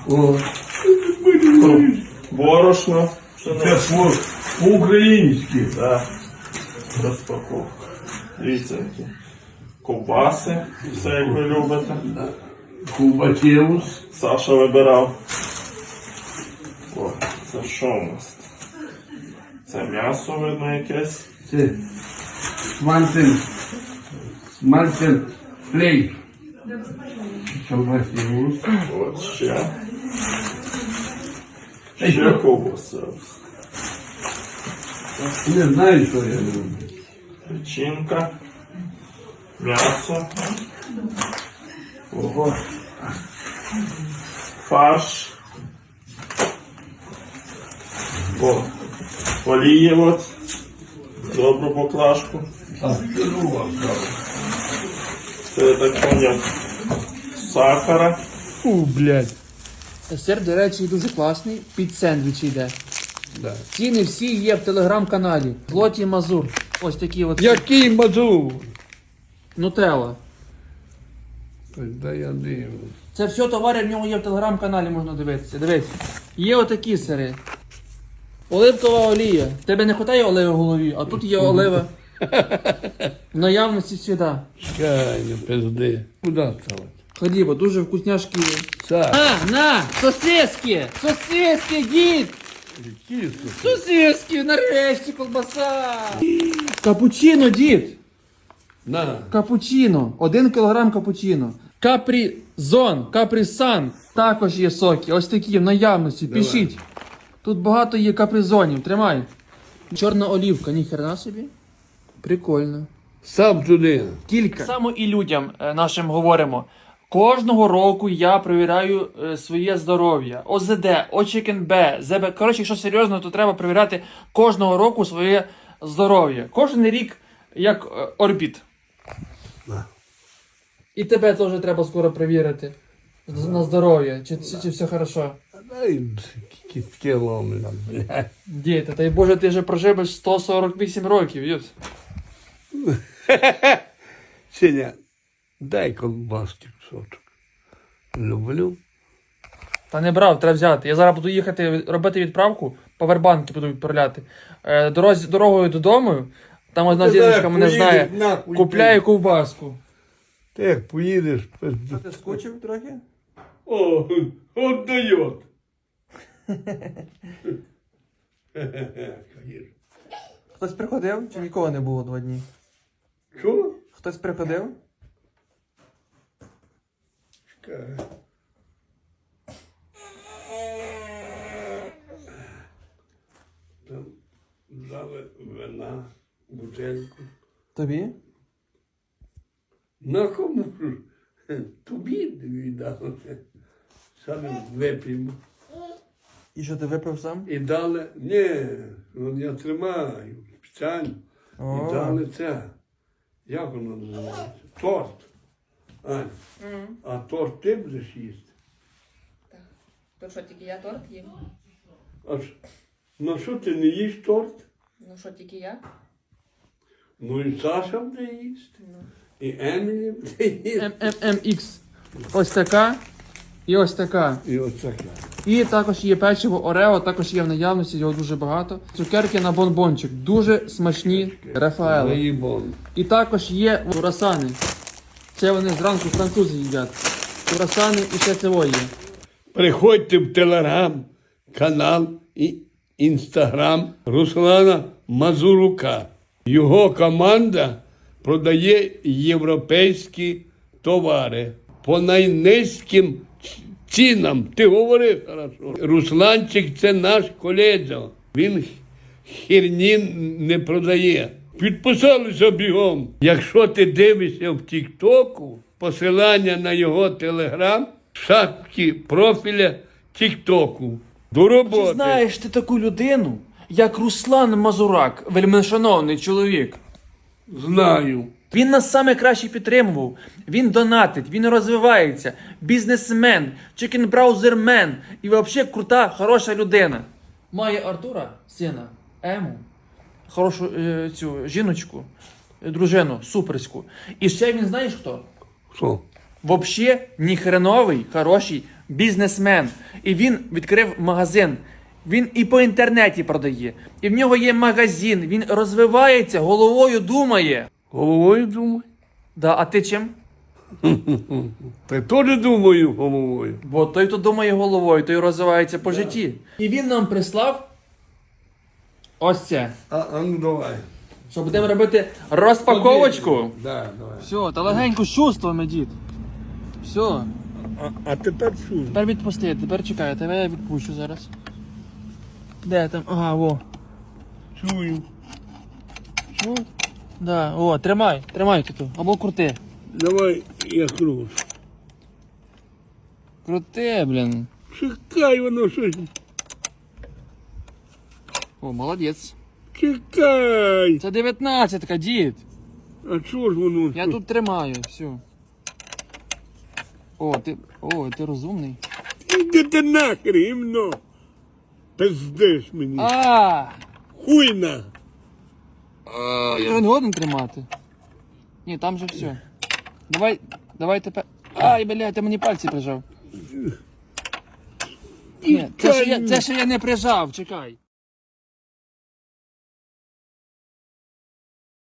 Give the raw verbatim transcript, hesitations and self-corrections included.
О, Борошно. це по- по-українськи. Так. Розпаковка. Дивіться, які ковбаси. Все, як ви любите. Кубатеус. Саша вибирав. О, це що у нас? Це м'ясо, видно, якесь. Це смальцен. Смальцен флейк. Кубатеус. От ще. Ще ковбаси. Не знаю, що я люблю. Печінка. М'ясо. Ого. Фарш. О, олії от. Добру поклажку. А, це друга справа. Це я так поняв. Сахара. Фу, блядь. Сир, до речі, дуже класний. Під сендвічі йде. Да. Ціни всі є в телеграм-каналі. Злоті Мазур. Ось такі от. Який мазур? Нутелла. Да я дивлюсь. Це все товари в нього є в телеграм-каналі, можна дивитися. Дивись. Є отакі сири. Оливкова олія. Тебе не вистачає оливи в голові, а тут є олива. В наявності сюди. Чекай, не пизди. Куда це? Хліба, дуже вкусняшки є. Це. А, на! Сосиски! Сосиски, дід! Які це? Сосиски, нарешті, колбаса! Капучино, дід! На. Капучино. Один кілограм капучино. Капрізон, капрісан. Також є соки. Ось такі в наявності. Давай. Пишіть. Тут багато є капризонів. Тримай. Чорна олівка. Ніхрена собі. Прикольно. Сам туди. Кілька. Саме і людям е, нашим говоримо. Кожного року я перевіряю е, своє здоров'я. О З Д, О Ч К Н Б, З Б. Коротше, якщо серйозно, то треба перевіряти кожного року своє здоров'я. Кожен рік як е, орбіт. На. І тебе теж треба скоро перевірити. З- На здоров'я. Чи, чи, чи все хорошо? Дай кістки ломлять, блядь. Діти, та й Боже, ти вже проживеш сто сорок вісім років, юд. Сеня, дай колбаски кусочок. Люблю. Та не брав, треба взяти. Я зараз буду їхати робити відправку, павербанки буду відправляти. Е, дорозі, дорогою додому, там одна Ти жіночка знаєш, мене поїдеш, знає, нахуй купляє ти. ковбаску. Ти як поїдеш, пизду. Ти скучив трохи? О, от дает. Хтось приходив чи нікого не було два дні? Що? Хтось приходив? Чекай. Там дали вина, бутельку. Тобі? На кому ж? Тобі віддали. Саме вип'ємо. І що ти випив сам? І дали, ні, ну я тримаю спеціально. О. І дали це. Як воно називається? Торт. Ань, а торт ти будеш їсти? То що, тільки я торт їм? А ж, ну що ти не їш торт? Ну що, тільки я? Ну і Саша буде їсти. І Емілі буде їсти. М М М Ікс. Ось така. І ось така. І оце. І також є печиво Орео, також є в наявності, його дуже багато. Цукерки на бонбончик. Дуже смачні Рафаели. Заїбон. І також є курасани. Це вони зранку французи їдять. Курасани і ще цього є. Приходьте в телеграм, канал і інстаграм Руслана Мазурука. Його команда продає європейські товари по найнизьким цінам. Ти говори хорошо. Русланчик це наш колега. Він херні не продає. Підписалися бігом. Якщо ти дивишся в Тік-Току, посилання на його телеграм, в шапці профіля Тік-Току. До роботи. Чи знаєш ти таку людину, як Руслан Мазурак, вельмишановний чоловік? Знаю. Він нас саме краще підтримував. Він донатить, він розвивається. Бізнесмен, чекінбраузермен і взагалі крута, хороша людина. Має Артура, сина, Ему, хорошу е, цю жіночку, е, дружину, суперську. І ще він знаєш хто? Що? Взагалі ніхреновий, хороший бізнесмен. І він відкрив магазин. Він і по інтернеті продає. І в нього є магазин. Він розвивається, головою думає. Головою думаю. Да, а ти чим? Та й теж думаю головою. Бо той, хто думає головою, той розвивається по житті. І він нам прислав ось це. А, а ну давай. Що будемо робити розпаковочку. Да, давай. Все, та легенько з чувствами, дід. Все. А, а тепер що? Тепер відпусти, тепер чекай, тебе я відпущу зараз. Де там? Ага, во. Чую. Чув? Да, о, тримай, тримай тут. Або крути. Давай я кручу. Крути, блін. Чекай, воно щось. О, молодець. Чекай. Це дев'ятнадцятка, дід. А чого ж воно? Я тут тримаю, все. О, ти. О, ти розумний. Іди ти нахер, гімно. Пиздиш мені. А! Хуйна. Я не годен тримати. Ні, там же все. Давай, давай тепер. Ай, блядь, ти мені пальці прижав. Ні, це ще я, це ще я не прижав, чекай.